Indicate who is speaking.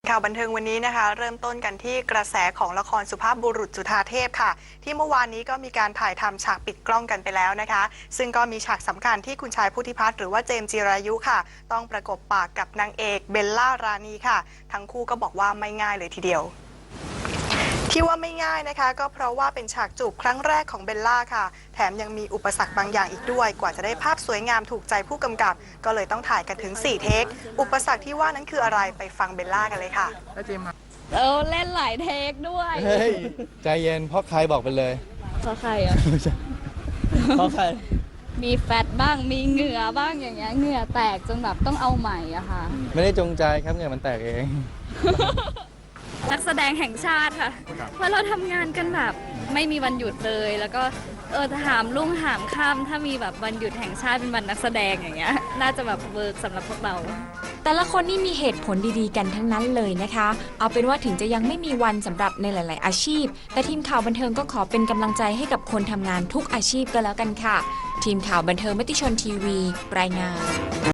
Speaker 1: ข่าวบันเทิงวันนี้นะคะเริ่มต้นกันที่กระแสของละครสุภาพบุรุษจุฑาเทพค่ะที่เมื่อวานนี้ก็มีการถ่ายทำฉากปิดกล้องกันไปแล้วนะคะซึ่งก็มีฉากสำคัญที่คุณชายพุทธิพัฒน์หรือว่าเจมส์จิรายุค่ะต้องประกบปากกับนางเอกเบลล่ารานีค่ะทั้งคู่ก็บอกว่าไม่ง่ายเลยทีเดียวที่ว่าไม่ง่ายนะคะก็เพราะว่าเป็นฉากจูบครั้งแรกของเบลล่าค่ะแถมยังมีอุปสรรคบางอย่างอีกด้วยกว่าจะได้ภาพสวยงามถูกใจผู้กำกับก็เลยต้องถ่ายกันถึง4เทคอุปสรรคที่ว่านั้นคืออะไรไปฟังเบลล่ากันเลยค่ะ
Speaker 2: เล่นหลายเทคด้วย
Speaker 3: เฮ้ยใจเย็นเพราะใครบอกไปเลย
Speaker 2: เพราะใครอ่ะ
Speaker 3: เพราะใคร
Speaker 2: มีแฟตบ้างมีเหงื่อบ้างอย่างเงี้ยเหงื่อแตกจนแบบต้องเอาใหม่อะค่ะ
Speaker 3: ไม่ได้จงใจครับเนี่ยมันแตกเอง
Speaker 2: นักแสดงแห่งชาติค่ะเพราะเราทำงานกันแบบไม่มีวันหยุดเลยแล้วก็ถามรุ่งหามค่ำถ้ามีแบบวันหยุดแห่งชาติเป็นวันนักแสดงอย่างเงี้ยน่าจะแบบเวิร์กสำหรับพวกเรา
Speaker 4: แต่ละคนนี่มีเหตุผลดีๆกันทั้งนั้นเลยนะคะ เอาเป็นว่าถึงจะยังไม่มีวันสำหรับในหลายๆอาชีพแต่ทีมข่าวบันเทิงก็ขอเป็นกำลังใจให้กับคนทำงานทุกอาชีพก็แล้วกันค่ะทีมข่าวบันเทิงมติชนทีวีรายงาน